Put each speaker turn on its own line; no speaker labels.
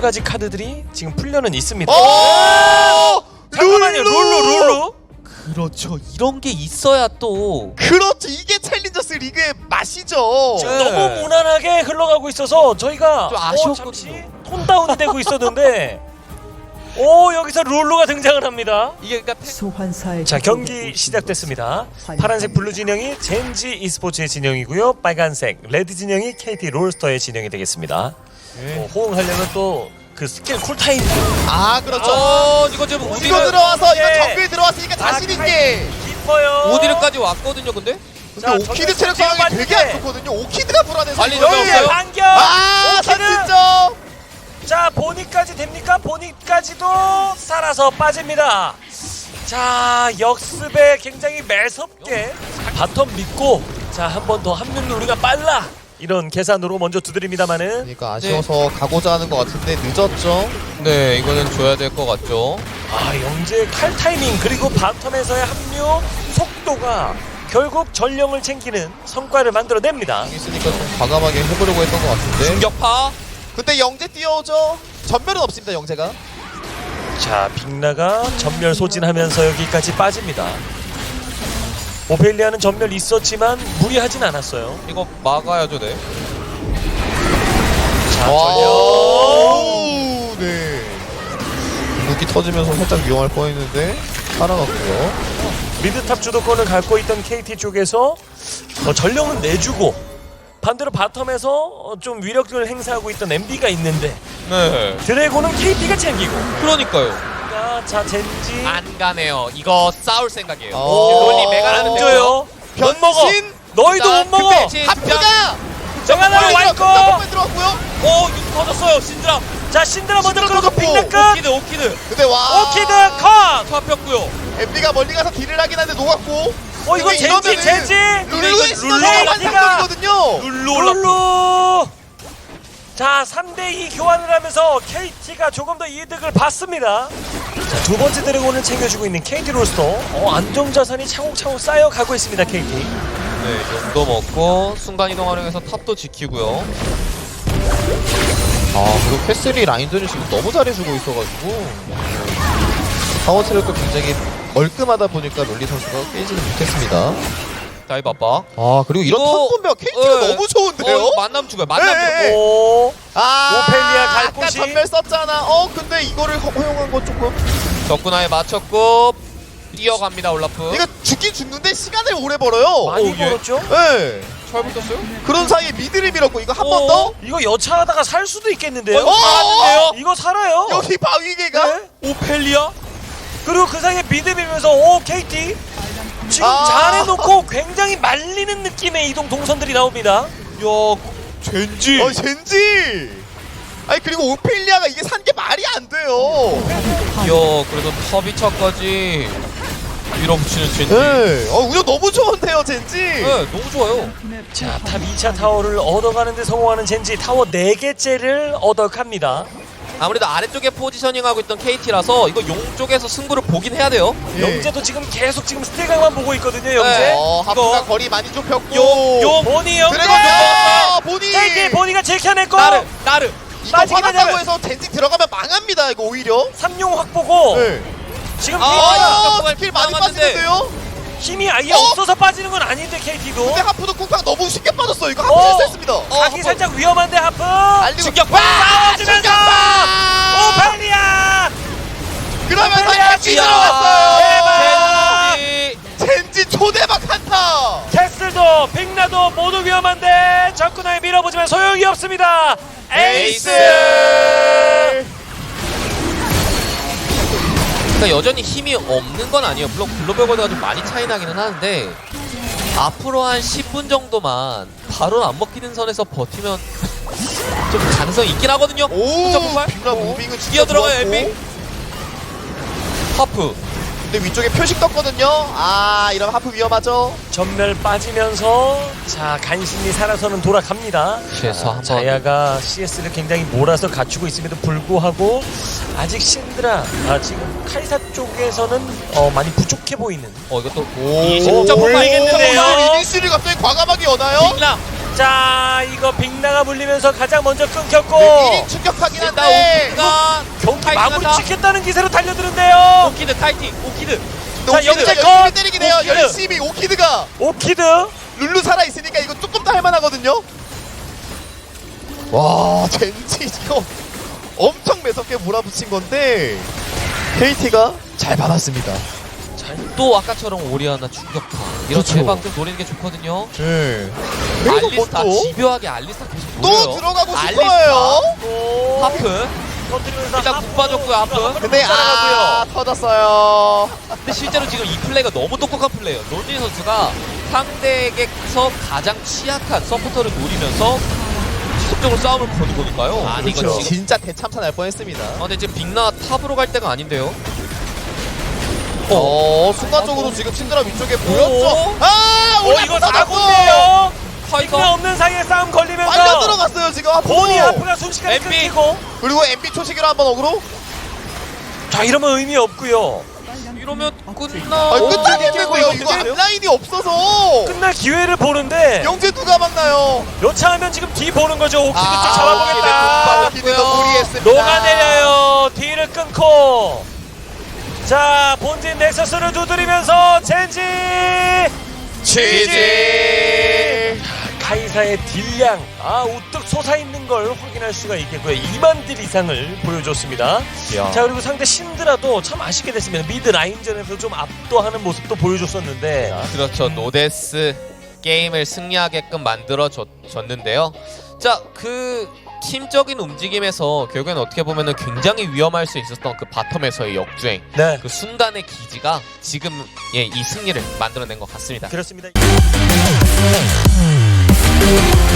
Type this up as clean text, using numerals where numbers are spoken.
가지 카드들이 지금 풀려는 있습니다.
잠깐만요.
룰루.
그렇죠. 이런 게 있어야 또
그렇죠. 이게 챌린저스 리그의 맛이죠.
지금 너무 무난하게 흘러가고 있어서 저희가
좀 아쉬웠거든요.
잠시 톤다운이 되고 있었는데 오 여기서 룰루가 등장을 합니다.
이게 그러니까
소환사의
자 경기 시작됐습니다. 파란색 블루 진영이 젠지 e스포츠의 진영이고요. 빨간색 레드 진영이 KT 롤스터의 진영이 되겠습니다. 호응하려면 또 그 스킬 쿨타임
그렇죠.
이거 지금
우디로
우디를
들어와서 이거
예.
정글 들어왔으니까 자신 있게.
깊어요.
우디르까지 왔거든요. 근데
자,
근데 오키드 체력
정글
상황이 되게 안
빠지게.
좋거든요. 오키드가 불안해서
빨리
이거를-
들어가세요.
반격. 오키드.
선진점.
자 보니까지 됩니까? 보니까지도 살아서 빠집니다. 자 역습에 굉장히 매섭게 바텀 믿고 자 한 번 더 합류는 우리가 빨라 이런 계산으로 먼저 두드립니다만은
그러니까 아쉬워서 가고자 하는 것 같은데 늦었죠.
네, 이거는 줘야 될 것 같죠.
영재 칼 타이밍 그리고 바텀에서의 합류 속도가 결국 전령을 챙기는 성과를 만들어냅니다.
있으니까 좀 과감하게 해보려고 했던 것 같은데.
충격파.
근데 영재 뛰어오죠. 전멸은 없습니다. 영재가.
자 빅나가 전멸 소진하면서 여기까지 빠집니다. 오펠리아는 전멸 있었지만 무리하진 않았어요.
이거 막아야죠, 네.
자 전령
네. 무기 터지면서 살짝 위험할 뻔했는데 살아갔고요.
미드탑 주도권을 갖고 있던 KT 쪽에서 전령은 내주고 반대로 바텀에서 좀 위력을 행사하고 있던 MB가 있는데
네.
드래곤은 KT가 챙기고
그러니까요.
자 젠지
안 가네요. 이거 싸울 생각이에요.
오.
롤리 메가라는
안 줘요. 못 먹어.
변신.
너희도 못 먹어.
하프가.
정하나로 와 있고.
들어왔고요.
이거 터졌어요. 신드라.
자 신드라 먼저
신드라
끌고
터졌고.
빅나 끝.
오키드.
근데 와.
오키드 컷.
잡혔고요.
엠비가 멀리 가서 딜을 하긴 하는데 녹았고.
이거
근데
젠지
이러면은
젠지.
룰루의 시너지가
룰루가
완성거든요.
룰루. 자 3대2 교환을 하면서 KT가 조금 더 이득을 받습니다. 자, 두 번째 드래곤을 챙겨주고 있는 KT 롤스터 안정자산이 차곡차곡 쌓여가고 있습니다. KT.
네, 용도 먹고 순간 이동 활용해서 탑도 지키고요.
그리고 캐슬이 라인전을 지금 너무 잘해주고 있어가지고 파워 체력도 굉장히 멀끔하다 보니까 롤리 선수가 깨지는 못했습니다.
다이브 압박.
그리고 이런
이거-
턴 보면 KT가
네.
너무 좋은데요?
이거 만남 죽어요. 만남
네,
죽어요.
네.
오.
오펠리아
갈
아까
곳이-
전멸 썼잖아. 근데 이거를 허용한 건 조금
적군화에 맞췄고 뛰어갑니다. 올라프.
이거 죽긴 죽는데 시간을 오래 벌어요.
많이
예.
벌었죠?
네.
잘 붙었어요?
그런 사이에 미드를 밀었고 이거 한 번 더?
이거 여차하다가 살 수도 있겠는데요?
살았는데요?
이거 살아요?
여기 바위개가?
네? 오펠리아? 그리고 그 사이에 미드 밀면서 KT 지금 잘해놓고 굉장히 말리는 느낌의 이동 동선들이 나옵니다.
젠지.
젠지! 아니 그리고 오펠리아가 이게 산 게 말이 안 돼요.
그래도 터비차까지 밀어붙이는 젠지.
네. 운영 너무 좋은데요 젠지?
네, 너무 좋아요.
자, 탑 2차 타워를 얻어가는 데 성공하는 젠지 타워 4개째를 얻어갑니다.
아무래도 아래쪽에 포지셔닝하고 있던 KT라서 이거 용 쪽에서 승부를 보긴 해야 돼요.
예.
영재도 지금 계속 지금 스틸각만 보고 있거든요, 영재.
네.
하프가
이거-
거리 많이 좁혔고
용.
보니 영재!
드래곤 들어갔어! 보니!
KT 보니가 제켜냈고
나르.
이거
빠지게
화났다고
되면-
해서 젠지 들어가면 망합니다 이거 오히려.
삼용 확보고
네.
지금
아,
KT가
스킬 많이
망하는데.
빠지는데요?
힘이 아예 없어서 빠지는 건 아닌데 KT도
근데 하프도 쿵팡 너무 쉽게 빠졌어 이거
어.
하프 실수했습니다.
가기 살짝 위험한데 하프
알리고
충격파!
싸워주면서
충격파!
오펠리아
그러면서
오펠리아
젠지
지어!
들어갔어요.
젠지.
젠지 초대박 한타.
캐슬도 빅나도 모두 위험한데 적군을 밀어보지만 소용이 없습니다. 에이스!
그러니까 여전히 힘이 없는 건 아니에요. 물론 글로벌 거리가 좀 많이 차이 나기는 하는데 앞으로 한 10분 정도만 바로 안 먹히는 선에서 버티면 좀 가능성이 있긴 하거든요.
오,
점프발?
빅라 무빙은 진짜
뛰어 들어가요,
좋았고.
엠비. 하프.
근데 위쪽에 표식 떴거든요. 이러면 하프 위험하죠.
전멸 빠지면서 자 간신히 살아서는 돌아갑니다.
그래서 한번
자야가 CS를 굉장히 몰아서 갖추고 있음에도 불구하고 아직 신드라 지금 카이사 쪽에서는 많이 부족해 보이는
이것도
오,
진짜 못 말겠는데요?
이니시를 갑자기 과감하게 여나요?
빅나
자 이거 빅나가 물리면서 가장 먼저 끊겼고
1인 충격하긴
일단
한데
오키드가
경기
파이팅
마무리
한다.
짓겠다는 기세로 달려드는데요.
오키드 파이팅. 오키드.
자,
오키드가
영재 컷!
열심히 때리긴 해요.
오키드.
열심히 오키드가
오키드
룰루 살아있으니까 이거 조금 더 할만하거든요. 와 젠지 이거 엄청 매섭게 몰아붙인 건데 KT가 잘 받았습니다.
또 아까처럼 오리아나 충격파. 이런
그렇죠.
대박 좀 노리는 게 좋거든요.
네. 그리고
알리스타
뭐
집요하게 알리스타 계속
또
노려요.
들어가고
알리스타,
싶어요.
또
하프.
터뜨리면서
일단
하프.
국 빠졌고요, 하프.
근데
따라가고요.
터졌어요.
근데 실제로 지금 이 플레이가 너무 똑똑한 플레이예요. 론진 선수가 상대에게서 가장 취약한 서포터를 노리면서 지속적으로 싸움을 거는 거니까요. 아니 이거
그렇죠.
지금
진짜 대참사 날 뻔했습니다.
근데 지금 빅나 탑으로 갈 때가 아닌데요.
순간적으로 지금 신드라 위쪽에 보였죠. 아,
이거 사고인데요.
파이터
빅나 없는 사이에 싸움 걸리면서
빨려 들어갔어요 지금 앞으로.
본이 하프가 순식간에
MB.
끊기고.
그리고 MB 초시기로 한번 어그로.
자 이러면 의미 없고요.
이러면
아,
끝나.
끝나겠는데요. 이거 앞라인이 없어서
끝날 기회를 보는데
영재 누가 막나요?
여차하면 지금 뒤 보는 거죠. 오키드 쪽
아,
잡아보겠다.
오키드가 무리했습니다.
녹아내려요. 뒤를 끊고. 자 본진 넥서스를 두드리면서 젠지
GG.
카이사의 딜량 우뚝 솟아있는 걸 확인할 수가 있겠고요. 2만 딜 이상을 보여줬습니다. 자 그리고 상대 신드라도 참 아쉽게 됐습니다. 미드 라인전에서 좀 압도하는 모습도 보여줬었는데
그렇죠. 노데스 게임을 승리하게끔 만들어줬는데요. 자, 그 팀적인 움직임에서 결국에는 어떻게 보면은 굉장히 위험할 수 있었던 그 바텀에서의 역주행,
네
그 순간의 기지가 지금 이 승리를 만들어낸 것 같습니다.
그렇습니다.